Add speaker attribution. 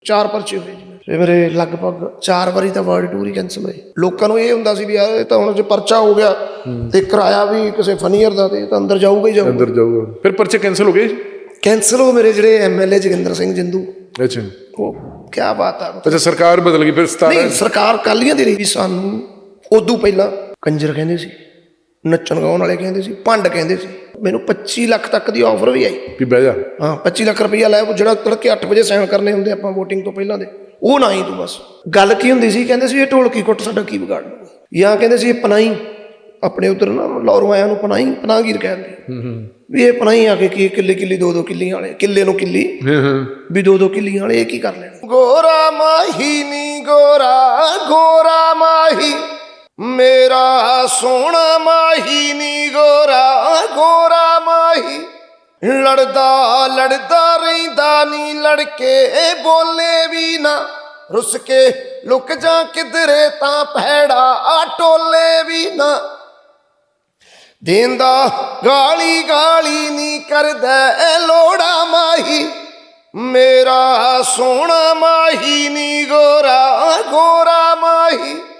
Speaker 1: 4 ਪਰਚੇ ਹੋਏ ਜੀ ਤੇ ਮੇਰੇ ਲਗਭਗ 4 ਵਾਰੀ ਤਾਂ ਵਰਲਡ ਟੂਰ ਹੀ ਕੈਂਸਲ ਹੋਏ। ਲੋਕਾਂ ਨੂੰ ਇਹ ਹੁੰਦਾ ਸੀ ਵੀ ਯਾਰ ਇਹ ਤਾਂ ਹੁਣ ਜੇ ਪਰਚਾ ਹੋ ਗਿਆ ਤੇ ਕਿਰਾਇਆ ਵੀ ਕਿਸੇ ਫਨੀਅਰ ਦਾ ਤੇ ਤਾਂ ਅੰਦਰ ਜਾਊਗਾ ਹੀ ਜਾਊਗਾ।
Speaker 2: ਅੰਦਰ ਜਾਊਗਾ। ਫਿਰ ਪਰਚੇ ਕੈਂਸਲ ਹੋ ਗਏ?
Speaker 1: ਕੈਂਸਲ ਹੋ ਮੇਰੇ ਜਿਹੜੇ MLA ਜੋਗਿੰਦਰ ਸਿੰਘ ਜਿੰਦੂ।
Speaker 2: ਅੱਛਾ,
Speaker 1: ਉਹ ਕਿਆ ਬਾਤ ਆ।
Speaker 2: ਅੱਛਾ, ਸਰਕਾਰ ਬਦਲ ਗਈ ਫਿਰ 17?
Speaker 1: ਨਹੀਂ, ਸਰਕਾਰ ਕਾਲੀਆਂ ਦੀ ਰਹੀ ਵੀ। ਸਾਨੂੰ ਉਦੋਂ ਪਹਿਲਾਂ ਕੰਜਰ ਕਹਿੰਦੇ ਸੀ, ਨੱਚਣ ਗਾਉਣ ਵਾਲੇ ਕਹਿੰਦੇ ਸੀ, ਭੰਡ ਕਹਿੰਦੇ ਸੀ। ਮੈਨੂੰ 25 ਲੱਖ ਤੱਕ ਦੀ ਆਫਰ ਵੀ ਆਈ
Speaker 2: ਵੀ ਬਹਿ ਜਾ।
Speaker 1: ਹਾਂ, 25 ਲੱਖ ਰੁਪਈਆ ਲੈ, ਜਿਹੜਾ ਤੜਕੇ 8 ਵਜੇ ਸਾਈਨ ਕਰਨੇ ਹੁੰਦੇ ਆਪਾਂ ਵੋਟਿੰਗ ਤੋਂ ਪਹਿਲਾਂ ਦੇ, ਉਹ ਨਾ ਹੀ ਤੂੰ ਬਸ। ਗੱਲ ਕੀ ਹੁੰਦੀ ਸੀ, ਕਹਿੰਦੇ ਸੀ ਇਹ ਢੋਲਕੀ ਕੁੱਟ ਸਾਡਾ ਕੀ ਵਿਗਾੜ ਲੂਗਾ, ਜਾਂ ਕਹਿੰਦੇ ਸੀ ਇਹ ਪਨਾਈ, ਆਪਣੇ ਉੱਧਰ ਨਾ ਲਾਹੌਰੋਂ ਆਇਆਂ ਨੂੰ ਪਨਾਈ, ਪਨਾਹਗੀਰ ਕਹਿੰਦੇ ਵੀ ਇਹ ਪਨਾਈ ਆ ਕੇ ਕੀ ਕਿੱਲੇ 2-2 ਕਿੱਲੀਆਂ ਵਾਲੇ, ਕਿੱਲੇ ਨੂੰ ਕਿੱਲੀ ਵੀ 2-2 ਕਿੱਲੀਆਂ ਵਾਲੇ ਇਹ ਕੀ ਕਰ ਲੈਣਾ। ਗੋਰਾ ਮਾਹੀ ਨੀ ਗੋਰਾ, ਗੋਰਾ ਮਾਹੀ ਮੇਰਾ ਸੋਹਣਾ ਮਾਹੀ ਨੀ ਗੋਰਾ, ਗੋਰਾ ਮਾਹੀ ਲੜਦਾ ਲੜਦਾ ਰਹਿੰਦਾ ਨੀ, ਲੜਕੇ ਬੋਲੇ ਵੀ ਨਾ, ਰੁੱਸ ਕੇ ਲੁਕ ਜਾ ਕਿਧਰੇ ਤਾਂ ਭੈੜਾ ਟੋਲੇ ਵੀ ਨਾ, ਦੇਂਦਾ ਗਾਲੀ ਗਾਲੀ ਨੀ ਕਰਦਾ ਲੋੜਾ ਮਾਹੀ ਮੇਰਾ ਸੋਹਣਾ ਮਾਹੀ ਨੀ ਗੋਰਾ, ਗੋਰਾ ਮਾਹੀ।